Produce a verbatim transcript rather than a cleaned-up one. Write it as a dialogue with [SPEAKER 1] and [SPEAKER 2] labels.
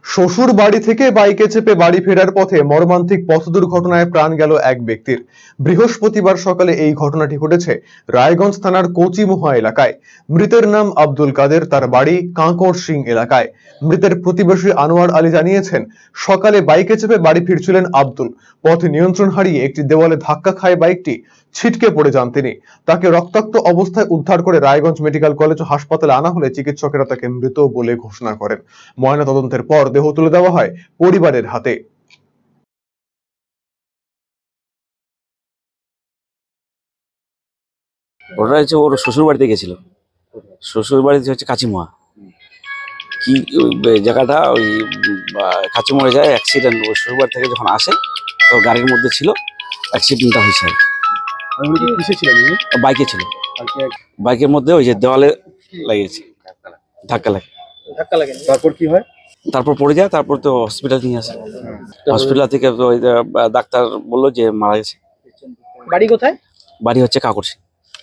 [SPEAKER 1] শ্বশুর বাড়ি থেকে বাইকে চেপে বাড়ি ফেরার পথে মর্মান্তিক পথ দুর্ঘটনায় প্রাণ গেল এক ব্যক্তির। বৃহস্পতিবার সকালে এই ঘটনাটি ঘটেছে রায়গঞ্জ থানার কচিমুহা এলাকায়। মৃতের নাম আব্দুল কাদের, তার বাড়ি কাঁকড় সিং এলাকায়। মৃতের প্রতিবেশী আনোয়ার আলী জানিয়েছেন, সকালে বাইকে চেপে বাড়ি ফিরছিলেন আব্দুল। পথে নিয়ন্ত্রণ হারিয়ে একটি দেওয়ালে ধাক্কা খায় বাইকটি। ছিটকে পড়ে যান তিনি। তাকে রক্তাক্ত অবস্থায় উদ্ধার করে রায়গঞ্জ মেডিকেল কলেজ ও হাসপাতালে আনা হলে চিকিৎসকেরা তাকে মৃত বলে ঘোষণা করেন। ময়নাতদন্তের পর দেহ তুলে দেওয়া হয় পরিবারের হাতে।
[SPEAKER 2] ওটা হচ্ছে ওর শ্বশুর বাড়িতে গেছিল। শ্বশুর বাড়িতে হচ্ছে কাচিমোয়া, কি ওই জায়গাটা ওই কাচিমোড়ে যায় অ্যাক্সিডেন্ট। ওই শ্বশুর বাড়ি থেকে যখন আসে তো গাড়ির মধ্যে ছিল, অ্যাক্সিডেন্টটা হয়েছে।
[SPEAKER 3] কিসে ছিলেন?
[SPEAKER 2] বাইকে ছিল, বাইকের মধ্যে ওই যে দেওয়ালে লাগিয়েছে, ধাক্কা লাগে।
[SPEAKER 3] ধাক্কা লাগে, তারপর কি হয়?
[SPEAKER 2] তারপর পড়ে যায়, তারপর তো হসপিটাল নিয়ে আসে। হসপিটাল থেকে ওই ডাক্তার বললো যে মারা গেছে।
[SPEAKER 3] বাড়ি কোথায়?
[SPEAKER 2] বাড়ি হচ্ছে কাকড় সিং।